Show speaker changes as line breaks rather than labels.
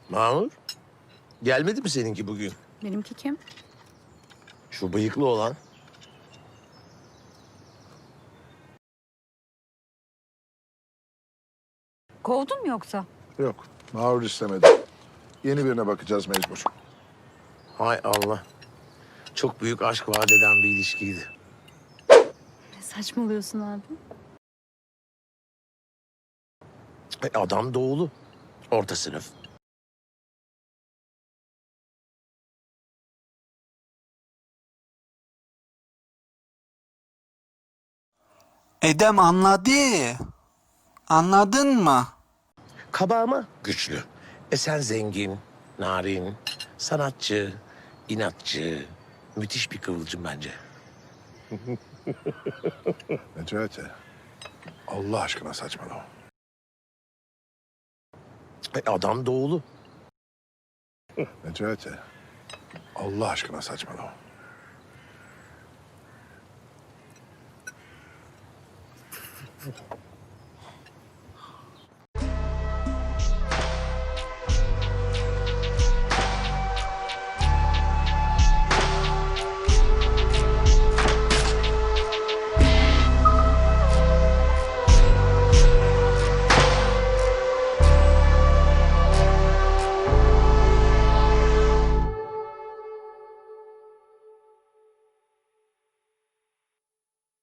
Mahmur, gelmedi mi seninki bugün?
Benimki kim?
Şu bıyıklı olan.
Kovdun mu yoksa?
Yok, Mahur istemedi. Yeni birine bakacağız mecbur.
Hay Allah. Çok büyük aşk vaat eden bir ilişkiydi.
Ne saçmalıyorsun abi?
Adam doğulu. Orta sınıf.
Edem anladı. Anladın mı?
Kaba ama güçlü. Sen zengin, narin, sanatçı, inatçı. Müthiş bir kıvılcım bence.
Necati, Allah aşkına saçmalama.
Adam doğulu.
Necati, Allah aşkına saçmalama.